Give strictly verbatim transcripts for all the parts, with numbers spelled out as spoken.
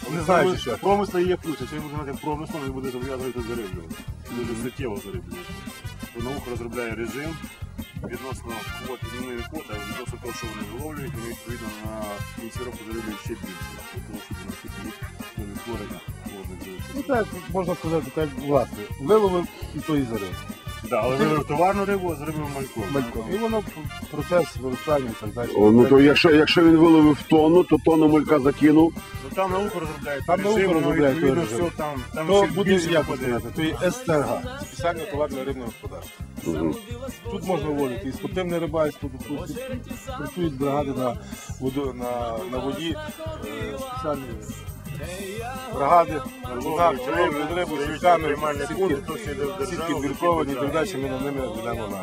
Не знаю, що. Промисла є ключ, якщо він буде мати промислом, він буде зобов'язувати зариблювати. Дуже суттєво зариблювати. Наука розробляє режим відносно квот, відмінної квоти, а відносно того, що вони виловлюють, вони відповідно на кінці року зариблюють ще більше. Тому що наскільки їх відтворення водних. Ну так, можна сказати, так, власне, виловив і то і зарив. Так, але виловив товарну рибу, а заривив мальком. Мальком. І воно процес виростання і так далі. О, ну то якщо, якщо він виловив тонну, то тонну малька закинув. Ну там наука розробляє Там режим, наука воно розробляє відповідно той режим. все там, там То ще буде, більше як виходить. сказати, то є ес те ер га, спеціальне товарне рибне господарство. Угу. Тут можна вводити і спортивне рибальство, тут працюють бригади на, воду, на, на воді, е, спеціальні бригади, ловлять рибу, сітками, сітки, сітки бірковані, і так далі, ми на ними ведемо на.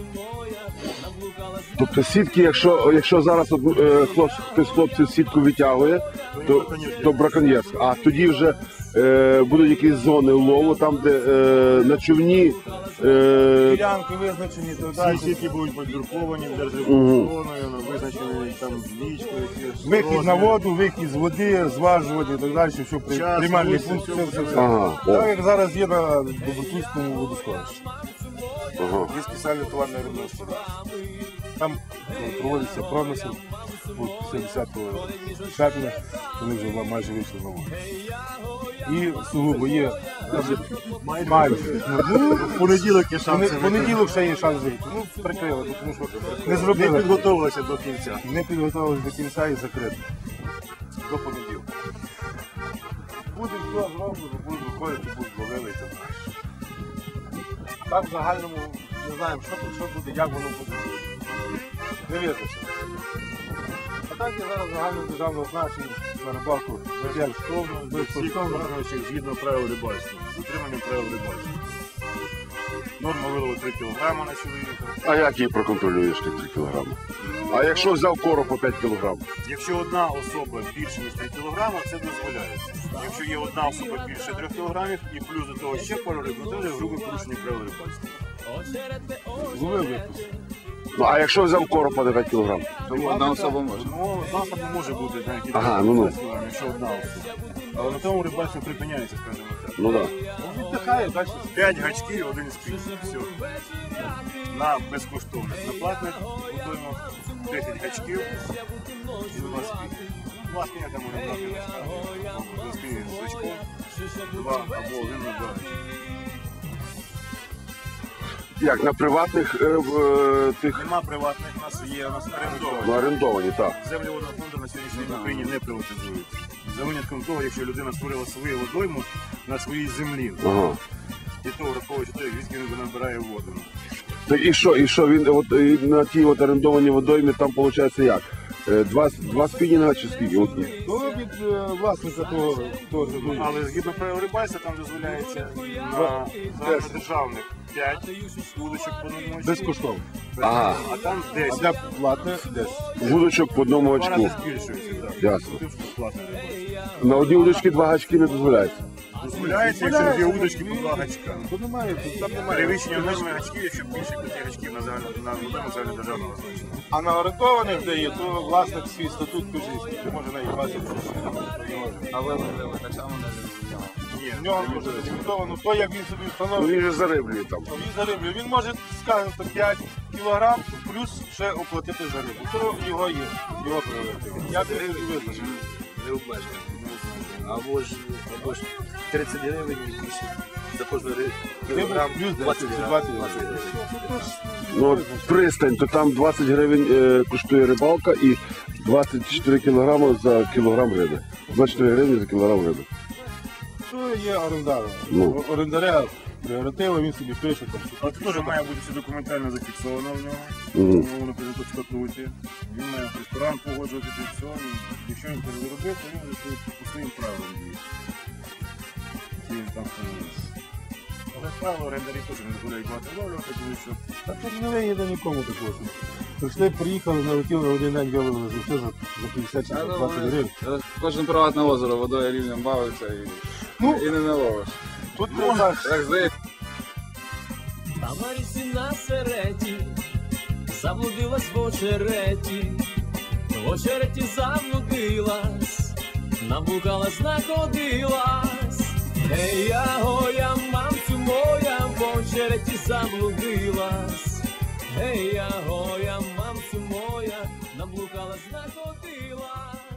Тобто сітки, якщо, якщо зараз от, е, хлопці, хтось з хлопців сітку витягує, то, то браконьєрство. А тоді вже е, будуть якісь зони лову, там де е, на човні. Е, Ділянки визначені, і так Всі далі. сітки будуть подбірковані, державною зоною, визначені там річкою. Вихід на воду, вихід з води, зважування і так далі, що при Час, приймальний місце, пункт, все все, буде. все, все. ага, о, Так як зараз є на Добротуйському водосховищі. ага. Є спеціальне товарне рибне господарство. Там ну, проводиться промисел, от сімдесятого серпня, вони вже майже вийшли на воду. І сугубо є майже. Ну, В понеділок є в шанси. понеділок ще є шанс вийти. Ну, прикрили, тому що не Не зробили. підготовилися до кінця. Не підготувалися до кінця і закрити. До понеділка. Буде все зроблено, будуть виходити, будуть ловили і так далі. Так в загальному не знаємо, що тут, що буде, як воно буде. Не визначено. А так є зараз загальнодержавне значення на рибалку безкоштовно, Всіх безкоштовно. виконуючих згідно правил рибальства. Дотримання правил рибальства. Норма вилову три кілограми на чоловіка. А як її проконтролюєш тих три кілограми? А якщо взяв короб по п'ять кілограм? Якщо одна особа більше ніж три кілограми, це дозволяється. Якщо є одна особа більше трьох кілограмів і плюс до того ще пару риб, то це вже грубе порушення правил рибальства. Зловив випуск. Ну а якщо взяв короб по п'ять кілограм? Одна особа може. Ну, одна особа може бути, знаєте, Ага, ну, ну. якщо одна особа. Але на тому рибальство припиняється, скажімо так. Ну так. Ну, віддихає, далі. П'ять гачків, один спінь. Все. На безкоштовних. На платних готуємо десять гачків і два спінь. Два спіння там можна брати на скажу. Два спіння з гачком, два або один на два гачки. Як на приватних е, в, е, тих Нема приватних, у нас є, у нас орендовані. ну, орендовані, так. Землі водного фонду на сьогоднішній день в Україні не приватизуються. За винятком того, якщо людина створила свою водойму на своїй землі. Ага. І то враховуючи те, звідки він набирає воду. Так і що, і що він от, і на тій от орендованій водоймі там виходить як? Е, Два, два спінінга чи скільки? От, Ну, від е, власника того, того Ну, але згідно правил рибальства там дозволяється на загальнодержавних п'ять вудочок по одному очку. безкоштовно. Ага. А там А десять. для платних десять. Вудочок по одному Два очку. рази збільшується. Так. Ясно. Тут платне рибальство. На одній удочці два гачки не дозволяється. Дозволяється, якщо дві удочки по два гачка. Тут немає, тут там немає. Перевищення норми гачків, якщо більше п'яти гачків на загальному на водойму загальнодержавного значення. А на орендованих, де є, то власник свій статут кажи, що може навіть двадцять. А ви так само не Ні, В нього може зафіксовано то, як він собі Ну встановлює. він же зариблює там. Він зариблює. Він може, скажімо, п'ять кілограм плюс ще оплатити за рибу. То його є, його прерогатива. Я це і визначив. не обмежено. Або ж, або ж тридцять гривень і більше. За кожну рибу кілограм Плюс двадцять десять, гривень. двадцять гривень. Ну от пристань, то там двадцять гривень е, коштує рибалка і двадцять чотири кілограми за кілограм риби. двадцять чотири гривні за кілограм риби. Що є орендар? Ну. Орендаря прерогатива, він собі пише. Там, А це теж має бути все документально зафіксовано в нього. Мгм. Воно підготовить в статуті. Він має в ресторан погоджувати це все. І якщо він це не зробив, то він вже по своїм правилам діє. Які він там встановився. Але правило орендарі теж не дозволяють багато ловлювати, тому що Та тут не вигідно нікому такого. що Прийшли, приїхали, налетіли на один день, виловили за все за за п'ятдесят чи за двадцять гривень. Кожен приватне озеро водою рівнем бавиться і, Ну. і не наловиш. Тут можна. Так здається. Та Марісі на сереті, заблудилась в очереті, в очереті заблудилась, наблукалась, находилась. Ей, я гоя, мамцю моя, в череті заблудилась. Ей, я гоя, мамцю моя, наблукалась, находилась.